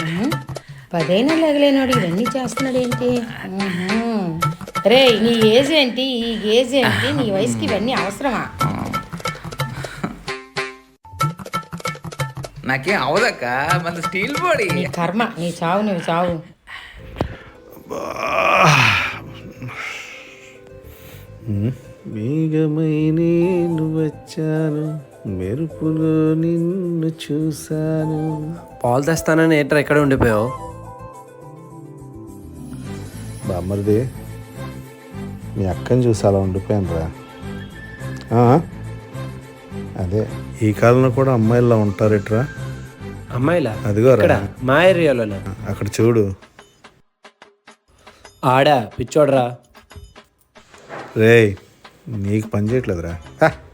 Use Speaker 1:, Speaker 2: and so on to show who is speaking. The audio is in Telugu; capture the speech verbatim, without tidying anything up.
Speaker 1: పదైనా లేగలేనాడు ఇవన్నీ చేస్తున్నాడు ఏంటి? రే నీ ఏజ్ ఏంటి? ఈ ఏజ్ ఏంటి? నీ వయసుకి ఇవన్నీ అవసరమా?
Speaker 2: నాకేం అవదక్క, మన స్టీల్ బాడీ.
Speaker 1: నీ కర్మ, నీ చావు, నువ్వు చావు.
Speaker 3: మేఘమై నేను వచ్చాను, మెరుపులో నిన్ను చూశాను.
Speaker 4: పాలు తెస్తానని ఏంట్రా ఎక్కడ ఉండిపోయావు?
Speaker 3: బామ్మరిది, మీ అక్కని చూసి అలా ఉండిపోయాను రా. అదే ఈ కాలంలో కూడా అమ్మాయిలా ఉంటారేట్రా?
Speaker 4: అమ్మాయిలా?
Speaker 3: అదిగో
Speaker 4: ఇక్కడ మా ఏరియాలోనా?
Speaker 3: అక్కడ చూడు.
Speaker 4: ఆడా పిచ్చోడ్రా.
Speaker 3: రేయ్, నీకు పని చేయట్లేదురా.